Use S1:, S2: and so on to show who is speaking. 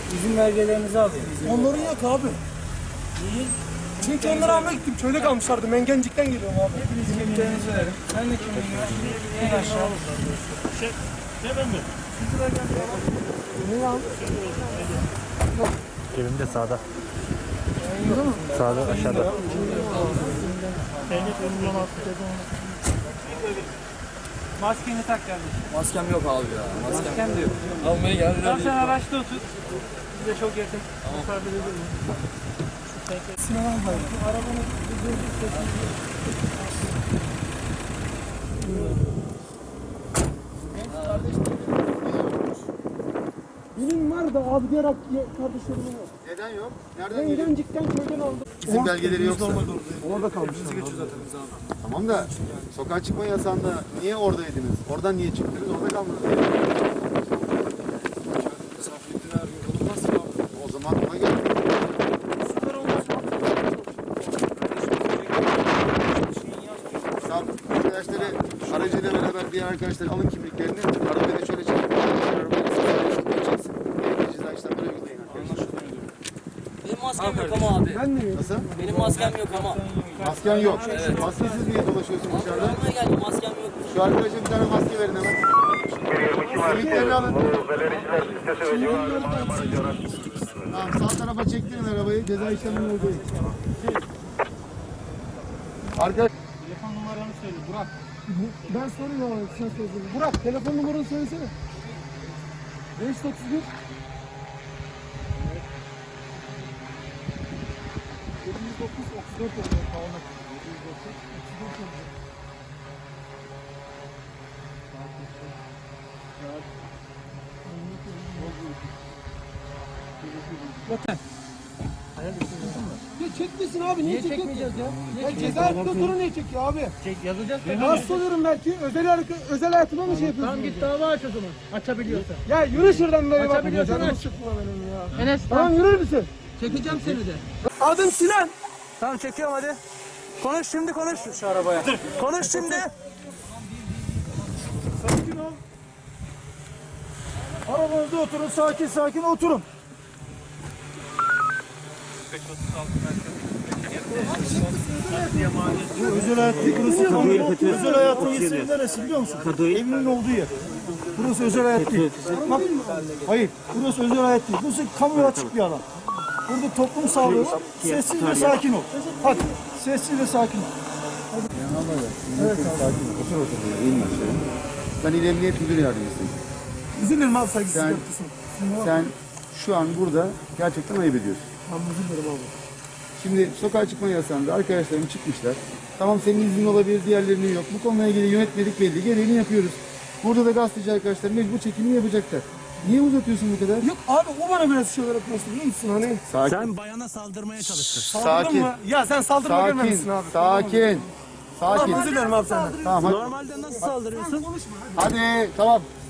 S1: İzin belgelerinizi alayım.
S2: Onların yok abi.
S1: Niye?
S2: Çünkü onları almaya gittim. Köyde kalmışlardı. Mengencik'ten geliyorum abi.
S1: Hepiniz kimliklerinizi verin. Sen de kimliğini ver. En aşağı.
S3: Cebimde sağda. Sağda aşağıda.
S1: Maskeni tak kardeşim.
S4: Maskem yok abi ya.
S1: Masken de yok.
S4: Almaya geldiler.
S1: Tamam sen araçta otur. Biz de çok yakın. Tamam.
S2: Sinan abi.
S1: Arabanın durduk sesini.
S2: Benim var da abi diğer kardeşlerim yok.
S5: Neden yok? Nereden geliyor?
S2: Mengencik'ten köyden aldım.
S5: İzin belgeleri yoksa.
S2: Orada kalmışlar.
S5: Tamam da sokağa çıkma yasağında niye oradaydınız? Oradan niye çıktınız? Orada kalmadınız. O zaman ona göre. Sağ arkadaşları aracıyla beraber diğer arkadaşlar alın kimliklerini. Arabayı da şöyle çekin. Arabayı geçeceksin. Ceza işlemleri uygulayın arkadaşlar.
S4: Benim maskem yok ama abi.
S2: Ben de
S5: Nasıl?
S4: Benim maskem yok ama.
S5: Masken yok. Maskesiz niye dolaşıyorsun dışarıda?
S4: Almaya geldim maskem yok.
S5: Şu arkadaşa bir tane maske verin hemen. Kimliklerini alın. Tamam, sağ tarafa çektirin arabayı. Ceza işlemini uygulayın. Arkadaş.
S1: Telefon numaranı söyle Burak.
S2: Ben sorayım abi. Sen söylesene. Burak telefon numaranı söylesene. 531 709 34 oluyor. Tamam. 709 34 oluyor. Ya çekmesin abi. Niye çekmeyeceğiz ya? Ya ceza tuturu niye çekiyor abi?
S1: Çek yazacağız.
S2: Rahatsız oluyorum belki. Özel hayatıma mı şey yapıyorsun?
S1: Tamam git dava aç o zaman. Açabiliyorsan.
S2: Ya yürü şuradan böyle bak.
S1: Açabiliyorsan
S2: Canımı
S1: aç.
S2: sıkma benim ya.
S1: Enes
S2: Tamam yürür müsün?
S1: çekeceğim seni de.
S2: Adım Sinan.
S1: Tamam çekiyorum hadi. Konuş şimdi konuş. Şu arabaya. Konuş şimdi.
S2: Sakin ol. Arabanızda oturun. Sakin sakin oturun. Bu özel hayat değil. Burası kamu. Özel hayatın yeri neresi biliyor musun? Evinin olduğu yer. Burası özel hayat değil. Bak, hayır. Burası özel hayat değil. Burası kamuya açık bir alan. Burada toplum sağlığı var. Sessiz ve sakin ol. Hadi. Sessiz ve sakin ol.
S5: Evet abi. Otur otur. İyiyim ben şöyle. Ben İl Emniyet Müdür Yardımcısıyım.
S2: İzin verin abi saygısızlık
S5: Sen-
S2: yapıyorsun.
S5: Sen şu an burada gerçekten ayıp ediyorsun.
S2: Tamam özür dilerim abi.
S5: Şimdi sokağa çıkma yasağında arkadaşlarım çıkmışlar. Tamam senin iznin olabilir, diğerlerinin yok. Bu konuyla ilgili yönetmelik belli. Gereğini yapıyoruz. Burada da gazeteci arkadaşlar mecbur çekimi yapacaklar. Niye uzatıyorsun bu kadar?
S2: Yok abi o bana biraz şeyler yapmasın biliyor musun hani?
S5: Sakin.
S3: Sen bayana saldırmaya çalıştın.
S2: Saldırdın
S5: Sakin.
S2: mı? Ya sen saldırma
S5: Sakin.
S2: gelmemişsin abi.
S5: Sakin. Sakin.
S2: Tamam özür dilerim abi senden.
S5: Tamam hadi.
S3: Normalde nasıl saldırıyorsun?
S5: Hadi tamam.